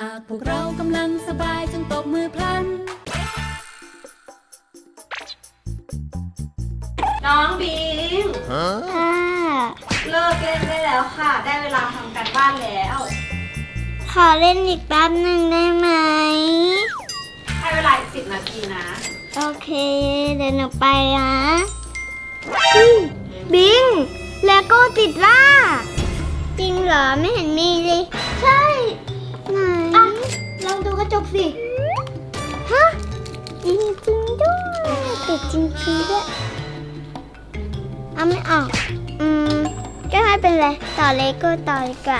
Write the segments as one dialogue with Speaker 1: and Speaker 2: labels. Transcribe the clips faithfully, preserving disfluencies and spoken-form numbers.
Speaker 1: ากพวกเรากำลังสบายจงตบมือพลัน
Speaker 2: น้องบิง
Speaker 3: ค่ะ
Speaker 2: เลิกเล่นได้แล้วค่ะได้เวลาทำการบ้านแล้ว
Speaker 3: ขอเล่นอีกแป๊บหนึ่งได้ไหม
Speaker 2: ให้เวลาอีกสิบนาทีนะ
Speaker 3: โอเคเดี๋ยวหนูไปนะบิงเลโก้ติดล่าจริงเหรอไม่เห็นมีเลยใช่ไหนอ่ะลองดูกระจกสิฮะจริงจริงด้วยติดจริงจริงด้วยเอาไม่ออกอืมก็ไม่เป็นไรต่อเลโก้ต่อดีกว่า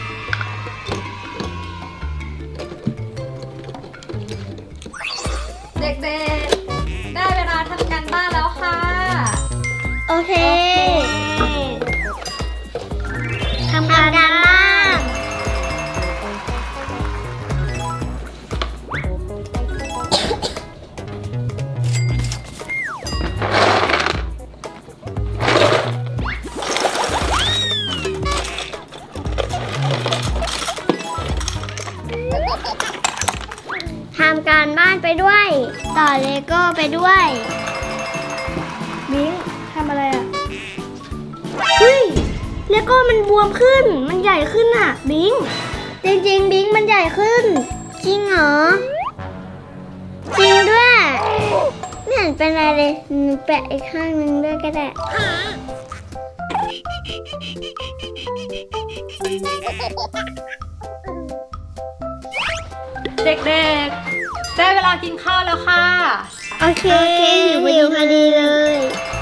Speaker 2: เด็กๆได้เวลาทำการบ้านแล้วค่ะ
Speaker 3: โอเคทำการบ้านทำการบ้านไปด้วยต่อเลโก้ไปด้วยมิ้งทำอะไรอ่ะเฮ้ยเลโก้มันบวมขึ้นมันใหญ่ขึ้นอ่ะบิงจริงๆบิงมันใหญ่ขึ้นจริงเหรอจริงด้วยไม่เห็นเป็นอะไรเลยหนูแปะอีกข้างนึงด้วยก็ได้
Speaker 2: เด็กๆได้เวลากินข้าวแล้วค่ะ
Speaker 3: โอเคหิวพอดีเลย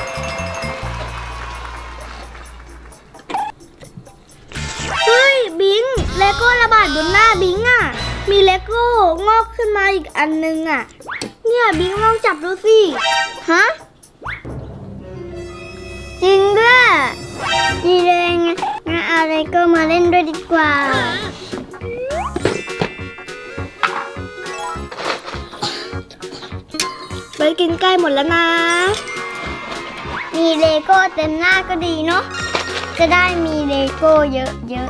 Speaker 3: เฮ้ยบิงเลโก้ระบาดบนหน้าบิงอ่ะมีเลโก้งอกขึ้นมาอีกอันนึงอ่ะเนี่ยบิงลองจับดูสิฮะจริงด้วยดีเลยงั้นงั้นเอาเลโก้มาเล่นด้วยดีกว่าไปกินใกล้หมดแล้วนะมีเลโก้เต็มหน้าก็ดีเนาะจะได้มีเลโก้เยอะ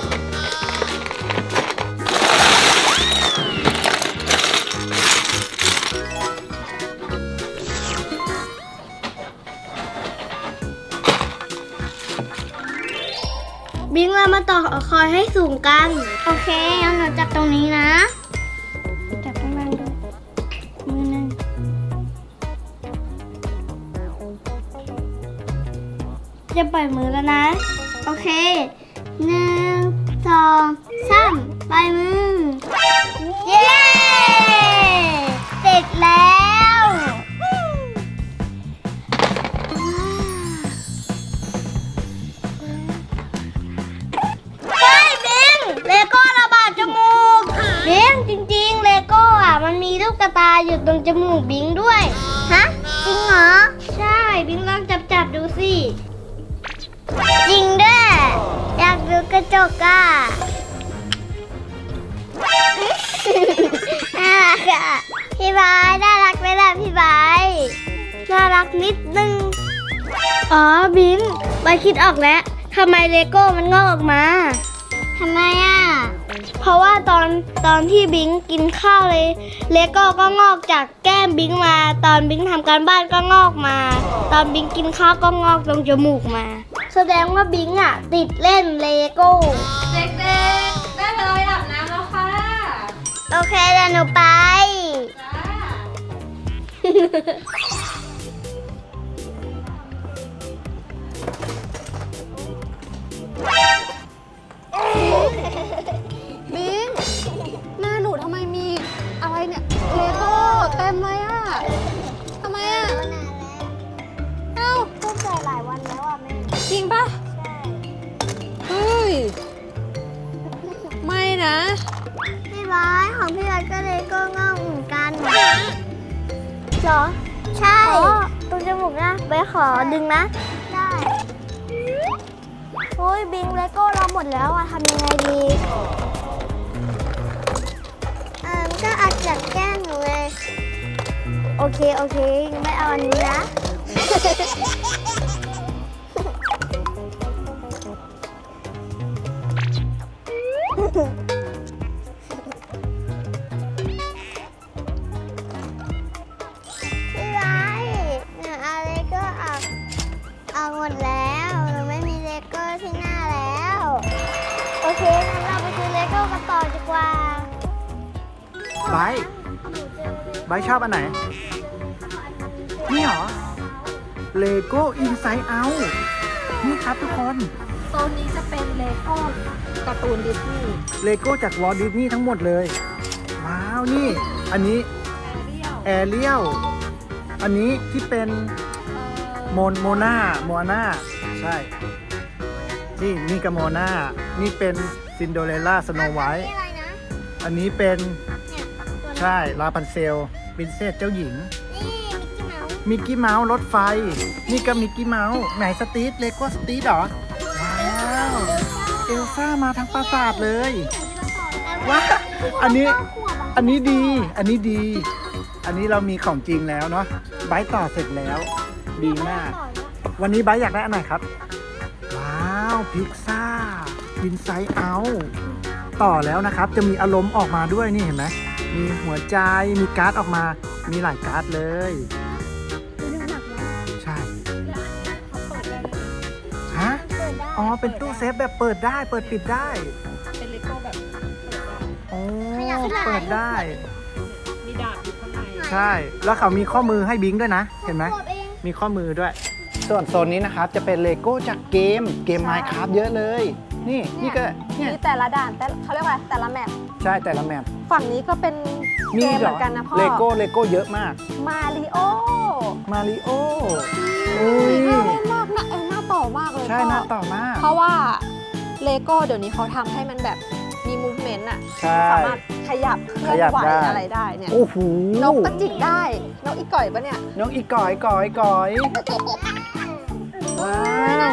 Speaker 3: ๆบิงเรามาต่อคอยให้สูงกันโอเคงั้นหนูจับตรงนี้นะจับข้างล่างด้วยมือหนึ่งจะปล่อยมือแล้วนะโอเคหนึ่งสองสามปล่อยมือเย้เสร็จแล้วเฮ้ยบิงเลโก้ระบาดจมูกบิงจริงๆเลโก้อ่ะมันมีลูกกระตาอยู่ตรงจมูกบิงด้วยฮะจริงเหรอใช่บิงลองจับจับดูสิจริงด้วยอยากดูกระจกอ่ะน่ารักอ่ะพี่บายน่ารักไหมล่ะพี่บายน่ารักนิดนึงอ๋อบิงบายคิดออกแล้วทำไมเลโก้มันงอกออกมาทำไมอ่ะเพราะว่าตอนตอนที่บิงกินข้าวเลยเลโก้ก็งอกจากแก้มบิงมาตอนบิงทำการบ้านก็งอกมาตอนบิงกินข้าวก็งอกตรงจมูกมาแสดงว่าบิงอ่ะติดเล่นเลโก้
Speaker 2: เด็กๆได้เวลาไปอาบน้ำแล้วค่ะ
Speaker 3: โอเคเดี๋ยวหนูไป
Speaker 2: บิงหน้าหนูทำไมมีอะไรเนี่ยเลโก้เต็มเลยอ่ะทำไมอ่ะเอ้า
Speaker 3: ก็ใส่หลายวันแล้วอ่ะแม่
Speaker 2: จริงปะเฮ้ยไม่นะ
Speaker 3: พี่บายของพี่บายก็เลโก้งอกเหมือนกันเหรอใช่ตรงจมูกนะไปขอดึงนะได้โอ้ยบิงเลโก้เราหมดแล้วอะทำยังไงดีอ่าก็อาจจะแกล้งหนูเลยโอเคโอเคไม่เอาอันนี้นะกันต่อดีกว่า
Speaker 4: ไบร์ทไบร์ทชอบอันไหน นี่เหรอ Lego Inside Out นี่ครับทุกคน
Speaker 2: โซนนี้จะเป็นเลโก้การ์ตูนดิสนีย์
Speaker 4: เลโก้จากวอลดิสนีย์ทั้งหมดเลย ว้าว นี่ อันนี้แอเรียล อันนี้ที่เป็นโมนโมนาโมนาใช่ นี่นี่กับโมนานี่เป็นซินโดเรลล่าสโนไวท์
Speaker 3: อะไรนะ
Speaker 4: อันนี้เป็น
Speaker 3: เนี่ยตัวนี้
Speaker 4: ใช่ลาพันเซลปรินเซสเจ้าหญิง
Speaker 3: นี่มิกกี้เมาส์
Speaker 4: มิกกี้เมาส์รถไฟ นี่ก็มิกกี้เมาส์ไหนสตีทเลโก้สตีทเหรอ ว้าว เอลซ่ามาทั้งปราสาทเลย ว้าว อันนี้ อันนี้ดี อันนี้ดี อันนี้เรามีของจริงแล้วเนาะไบร์ทต่อเสร็จแล้ว ดีมาก วันนี้ไบร์ทอยากได้อันไหนครับ ว้าวพิซซ่าอินไซด์เอาต่อแล้วนะครับ จะมีอารมณ์ออกมาด้วยนี่เห็นไหมมีหัวใจ มีการ์ดออกมา มีหลายการ์ดเลย ใช่ ฮะ อ๋อ เป็นตู้เซฟแบบเปิดได้ เปิดปิดได้
Speaker 2: เป็นเลโก้แบบ
Speaker 4: โอ้เปิดได้
Speaker 2: มีดาบอยู่ข้างใน
Speaker 4: ใช่ แล้วเขามีข้อมือให้บิงด้วยนะ เห็นไหม
Speaker 3: ขวบเอง
Speaker 4: มีข้อมือด้วย ส่วนโซนนี้นะครับจะเป็นเลโก้จากเกม เกม Minecraft เยอะเลย นี่ นี่ก็ เนี่ย
Speaker 2: มีแต่ละด่านแต่เขาเรียกว่าอะไรแต่ละแมป
Speaker 4: ใช่แต่ละแมป
Speaker 2: ฝั่งนี้ก็เป็น
Speaker 4: มี
Speaker 2: เกม
Speaker 4: เห
Speaker 2: เห
Speaker 4: ร
Speaker 2: มื
Speaker 4: อ
Speaker 2: อนกันนะพ่อ
Speaker 4: เลโก้ เลโก้เยอะมาก
Speaker 2: มาริโอ
Speaker 4: มาริโออุ้ย
Speaker 2: น่าเล่นมากนะเออน่าต่อมากเลย
Speaker 4: ใช่
Speaker 2: พ่อ
Speaker 4: น่าต่อมาก
Speaker 2: เพราะว่าเลโก้เดี๋ยวนี้เขาทำให้มันแบบมีมูฟเมนต์อะ
Speaker 4: ใช่
Speaker 2: สามารถขยับเคลื่อนไหว
Speaker 4: ขยับได้
Speaker 2: อะไรได้เนี่ย
Speaker 4: โอ้โห
Speaker 2: นกก็จิกได้ นกอีก่อยปะเนี่ย
Speaker 4: น้องอีก่อยก่อยก่อยว้าว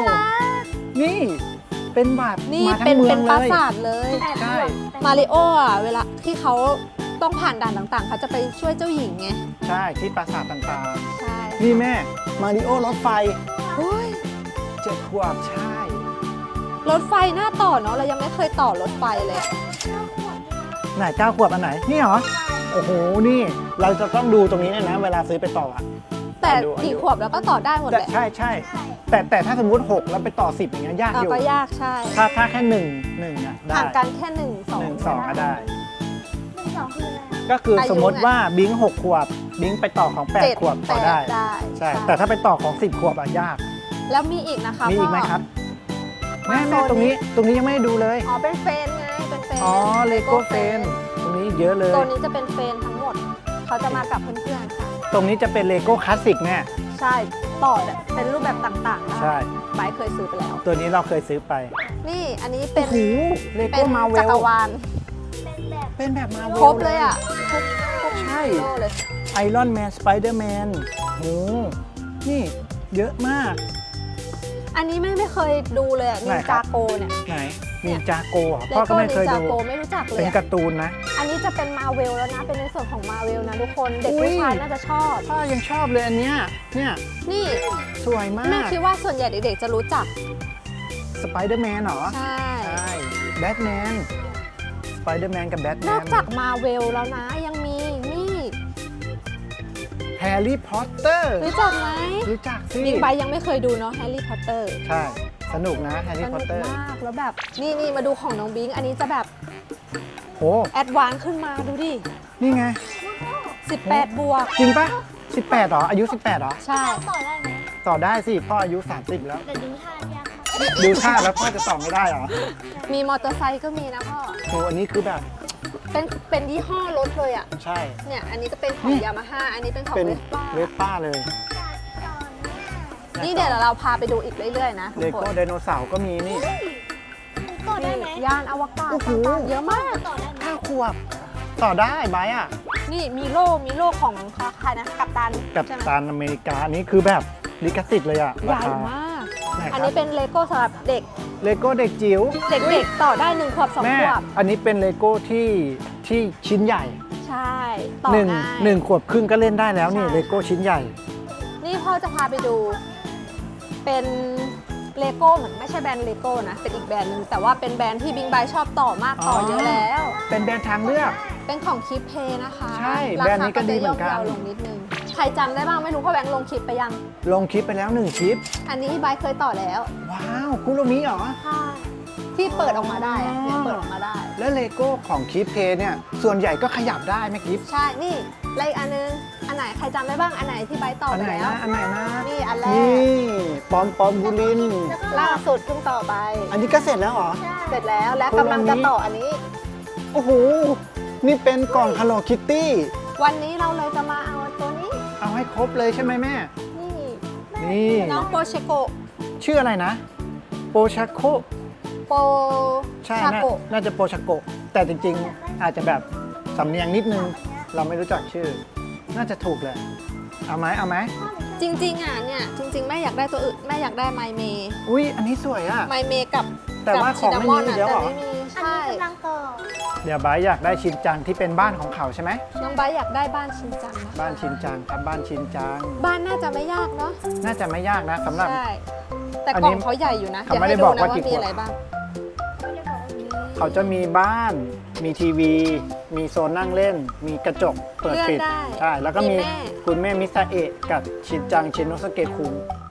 Speaker 4: นี่ เป็นแบบ
Speaker 2: นี่
Speaker 4: มาทั้
Speaker 2: เป็
Speaker 4: ง
Speaker 2: น
Speaker 4: เมื
Speaker 2: เป็
Speaker 4: อน ง
Speaker 2: ปรา
Speaker 4: เลย
Speaker 2: สาทเลย
Speaker 4: ใช่
Speaker 2: มาริโออะเวลาที่เขาต้องผ่านด่านต่างๆ เขาจะไปช่วยเจ้าหญิงไง
Speaker 4: ใช่ที่ปราสาทต่าง
Speaker 2: ใช่
Speaker 4: ๆ นี่แม่ มาริโอรถไฟ
Speaker 2: โอ้ย
Speaker 4: เจ็ดขวบใช่
Speaker 2: รถไฟหน้าต่อเนาะเรายังไม่เคยต่อรถไฟเลยอะ
Speaker 4: ไหนเก้าขวบอันไหน นี่เหรอ โอ้โห นี่ เราจะต้องดูตรงนี้เนี่ยนะ เวลาซื้อไปต่ออะ
Speaker 2: แต่
Speaker 4: ดูดู
Speaker 2: กี่ขวบแล้วก็ต่อได้หมด
Speaker 4: แต่
Speaker 2: แหละ
Speaker 4: ใช่ใช่แต่แต่ถ้าสมมุติหกแล้วไปต่อสิบอย่างเงี้ยยาก
Speaker 2: อ่ะ
Speaker 4: อยู่
Speaker 2: ก็ยากใช่
Speaker 4: ถ้าถ้าแค่หนึ่งหนึ่งอะได้
Speaker 2: ห่างกันแค่หนึ่งสอง
Speaker 4: หนึ่งสองก็ได้
Speaker 3: หนึ่งสองคืออะไร
Speaker 4: ก็คือ
Speaker 2: อายุ
Speaker 4: สมมติว่าบิงหกขวบ บิงไปต่อของแปด
Speaker 2: เจ็ด
Speaker 4: ขวบ
Speaker 2: แป
Speaker 4: ต่อ
Speaker 2: ด
Speaker 4: ได้
Speaker 2: ได้
Speaker 4: ใช่ แต่ถ้าไปต่อของสิบขวบอะยาก
Speaker 2: แล้วมีอีกนะคะ
Speaker 4: มีอีกไหม
Speaker 2: พ่
Speaker 4: ครับ
Speaker 2: มา
Speaker 4: แม่แม่
Speaker 2: โซน
Speaker 4: ตรงนี้ ตรงนี้ยังไม่ได้ดูเลย
Speaker 2: อ๋อเป็นเฟนไงเป็นเฟน
Speaker 4: อ๋อ เลโก้เฟน ตรงนี้เยอะเลย
Speaker 2: โซนนี้จะเป็นเฟนทั้งหมด เขาจะมากับเพื่อนๆค่ะ
Speaker 4: ตรงนี้จะเป็นเลโก้คลาสสิกแน่
Speaker 2: ใช่ต่อแบบเป็นรูปแบบต่างๆได้
Speaker 4: ใช่
Speaker 2: ไบร์ทเคยซื้อไปแล้ว
Speaker 4: ตัวนี้เราเคยซื้อไป
Speaker 2: นี่อันนี้เป็น
Speaker 4: โอ้โหเล
Speaker 2: เป็
Speaker 4: โก้
Speaker 2: น
Speaker 4: มาเว
Speaker 2: จัก
Speaker 4: ล
Speaker 2: รวาล
Speaker 3: เป็นแบบ
Speaker 4: เป็นแบบมาเวล
Speaker 2: ครบเลยอ่ะทุกทุก
Speaker 4: ใช่
Speaker 2: โลเลย
Speaker 4: ไอรอนแมน สไปเดอร์แมนโห นี่เยอะมาก
Speaker 2: อันนี้ไม่ไม่เคยดูเลยอ่ะ
Speaker 4: ไหน
Speaker 2: นิน
Speaker 4: ครั
Speaker 2: จา
Speaker 4: บ
Speaker 2: โกเนี่ย
Speaker 4: ไหน
Speaker 2: เนี่
Speaker 4: นิ
Speaker 2: ย
Speaker 4: นจาโกเหรอ
Speaker 2: เล
Speaker 4: พ่อก็
Speaker 2: โก้
Speaker 4: ไม่
Speaker 2: นิ
Speaker 4: เคย
Speaker 2: นจา
Speaker 4: ดู
Speaker 2: โกไม่รู้จักเลย
Speaker 4: เป็น
Speaker 2: อะ
Speaker 4: การ์ตูนนะ
Speaker 2: อันนี้จะเป็นมาเวลแล้วนะ เป็นในส่วนของมาเวลนะทุกคน เด็ก
Speaker 4: อุ๊ย
Speaker 2: ผู้ชายน่าจะชอบ
Speaker 4: พ่อยังชอบเลยอันเนี้ย เนี่ย
Speaker 2: นี่
Speaker 4: สวยมา
Speaker 2: แม่
Speaker 4: ก
Speaker 2: คิดว่าส่วนใหญ่เด็กๆจะรู้จัก
Speaker 4: สไปเดอร์แมนเหรอ
Speaker 2: ใช่
Speaker 4: ใช่แบทแมน สไปเดอร์แมนกับแบทแม
Speaker 2: น
Speaker 4: น
Speaker 2: อกจากมาเวลแล้วนะ ยังมีนี่
Speaker 4: แฮร์รี่พอตเตอร์
Speaker 2: รู้จักไหม
Speaker 4: รู้จักสิ
Speaker 2: บิ๊กไบค์ยังไม่เคยดูเนาะแฮร์รี่พอตเตอร์
Speaker 4: ใช่ สนุกนะแฮร์
Speaker 2: ส
Speaker 4: รี่พอ
Speaker 2: นุ
Speaker 4: ต
Speaker 2: ก
Speaker 4: เตอร์
Speaker 2: มาก แล้วแบบ นี่นี่มาดูของน้องบิง อันนี้จะแบบ
Speaker 4: โห
Speaker 2: แอดวานซ์ขึ้นมาดูดิ
Speaker 4: นี่ไง
Speaker 2: สิบแปดบวก
Speaker 4: จริงปะสิบแปดเหรอ อายุ สิบแปดเหรอ
Speaker 2: ใช่
Speaker 3: ต่อได้ไหม
Speaker 4: ต่อได้สิ พ่ออายุ สามสิบแล้ว
Speaker 3: แต่ดูท่ายาก
Speaker 4: ดูท่าแล้วพ่อจะต่อไม่ได้เหรอ
Speaker 2: มีมอเตอร์ไซค์ก็มีนะพ่อ
Speaker 4: โห อันนี้คือแบบ
Speaker 2: เป็นเป็นยี่ห้อรถเลยอ่ะ
Speaker 4: ใช่
Speaker 2: เนี่ย อันนี้ก็เป็นของ
Speaker 4: นี่
Speaker 2: ยามาฮ่า อันนี้เป็นของ
Speaker 4: เป็น
Speaker 2: เวสป้า
Speaker 4: เวสป้าเลย
Speaker 2: นี่เดี๋ยวเราพาไปดูอีกเรื่อยๆนะทุ
Speaker 4: เล
Speaker 2: กค
Speaker 4: โก้
Speaker 2: น
Speaker 4: ไดโนเสาร์ก็มีนี่
Speaker 3: ต่อได้ไหม
Speaker 2: ยานอวกาศ
Speaker 4: โอ้โห
Speaker 2: ต่างๆเยอะมาก
Speaker 3: ต่อได้ไหม
Speaker 4: ห้าขวบ ต่อได้ไบร์ทอ่ะ
Speaker 2: นี่มีโล่มีโล่ของใครนะกัปตัน
Speaker 4: กับ
Speaker 2: ใช่ไหม
Speaker 4: ตานอเมริกาอันนี้คือแบบลิขสิทธิ์เลยอ่ะ
Speaker 2: ให
Speaker 4: รา
Speaker 2: ญ่
Speaker 4: คาม
Speaker 2: าก
Speaker 4: ไหน
Speaker 2: อัน
Speaker 4: ครั
Speaker 2: นี้
Speaker 4: บ
Speaker 2: เป็นเลโก้สำหรับเด็ก
Speaker 4: เลโก้เด็กจิ๋ว
Speaker 2: เด็กๆต่อได้หนึ่งขวบสอง
Speaker 4: แม่
Speaker 2: ขวบ
Speaker 4: อันนี้เป็นเลโก้ที่ที่ชิ้นใหญ่
Speaker 2: ใช่ ต่อ
Speaker 4: หนึ่ง
Speaker 2: ง่าย
Speaker 4: หนึ่งขวบครึ่งก็เล่นได้แล้วนี่
Speaker 2: ใช่
Speaker 4: เลโก้ชิ้นใหญ่
Speaker 2: นี่พ่อจะพาไปดู เป็นเลโก้เหมือนไม่ใช่แบรนด์เลโก้นะ เป็นอีกแบรนด์หนึงแต่ว่าเป็นแบรนด์ที่บิงไบชอบต่อมากต่อ
Speaker 4: อ๋อ
Speaker 2: เยอะแล้ว
Speaker 4: เป็นแบรนด์ทางเลือก
Speaker 2: เป็นของคลิปเพย์นะคะ
Speaker 4: ใช่แบรนด์นี้ก็ดีเหมือนกัน
Speaker 2: ราคาจะย่อมเยาลงนิดนึง ใครจำได้บ้างไม่รู้พ่อแบงค์ลงคลิปไปยัง
Speaker 4: ลงคลิปไปแล้วหนึ่งคลิป
Speaker 2: อันนี้ไบเคยต่อแล้ว
Speaker 4: ว้าวคุโรมิเหรอ
Speaker 2: ค่ะที่เปิดออกมาได้อะเนี่ยเปิดออกมาได้
Speaker 4: แล้วเลโก้ของคิดเพย์เนี่ยส่วนใหญ่ก็ขยับได้ไหมกิฟ
Speaker 2: ใช่ นี่แล้วอีกอันนึง อันไหนใครจำได้บ้าง อันไหนที่ใบต่อ
Speaker 4: อัน
Speaker 2: ไป
Speaker 4: ไหน
Speaker 2: แล้ว
Speaker 4: นะอันไหนนะ
Speaker 2: นี่อันแร
Speaker 4: นี่
Speaker 2: ก
Speaker 4: ปอมปอมบูลิน
Speaker 2: ล่าสุดเพิ่งต่อไป
Speaker 4: อันนี้ก็เสร็จแล้วเหรอ
Speaker 2: เสร็จแล้วและกำลังจะต่ออันนี้
Speaker 4: โอ้โหนี่เป็นกล่อง Hello Kitty
Speaker 2: วันนี้เราเลยจะมาเอาตัวนี้
Speaker 4: เอาให้ครบเลยใช่ไหมแม่
Speaker 2: นี่
Speaker 4: นี่
Speaker 2: น้องโปเชโกะ
Speaker 4: ชื่ออะไรนะโปชาโก
Speaker 2: โป
Speaker 4: ใช่
Speaker 2: ชา
Speaker 4: น่า
Speaker 2: โกะ
Speaker 4: น่าจะโปชาโกะแต่จริงๆ อาจจะแบบสำเนียงนิดนึง เราไม่รู้จักชื่อ น่าจะถูกเลย เอาไหมเอาไหม
Speaker 2: จริงๆอ่ะเนี่ย จริงๆ แม่อยากได้ตัวอื่น แม่อยากได้ไมเม
Speaker 4: อุ้ยอันนี้สวยอ่ะ
Speaker 2: ไมเมกับ
Speaker 4: แต่ว่าของไม่มี
Speaker 2: กับ
Speaker 4: เดี๋ยวเหรอ
Speaker 2: แต่ไม่มี
Speaker 3: อัน
Speaker 2: ใช่
Speaker 3: นี้กำลังต่อ
Speaker 4: เดี๋ยวบายอยากได้ชินจังที่เป็นบ้านของเขาใช่ไหม
Speaker 2: น้องไบร์ทอยากได้บ้านชินจังนะ
Speaker 4: บ้านชินจังครับบ้านชินจัง
Speaker 2: บ้านน่าจะไม่ยากเนาะ
Speaker 4: น่าจะไม่ยากนะสำหรับ
Speaker 2: ใช่ แต่
Speaker 4: อัน
Speaker 2: กล่
Speaker 4: นี้
Speaker 2: องเขาใหญ่อยู่นะ
Speaker 4: เขาไม่ได้บอกว่ากี่
Speaker 2: เดี๋ยให้ดูนะว่ามี
Speaker 4: ขวด
Speaker 2: อะไรบ้าง
Speaker 4: เขาจะมีบ้าน มีทีวี มีโซนนั่งเล่น มีกระจกเปิดปิด
Speaker 2: เลื่อนได้
Speaker 4: ใช่ แล้วก็มี
Speaker 2: มีแม่
Speaker 4: คุณแม่มิซาเอะกับชินจังชินโนสเกะคุง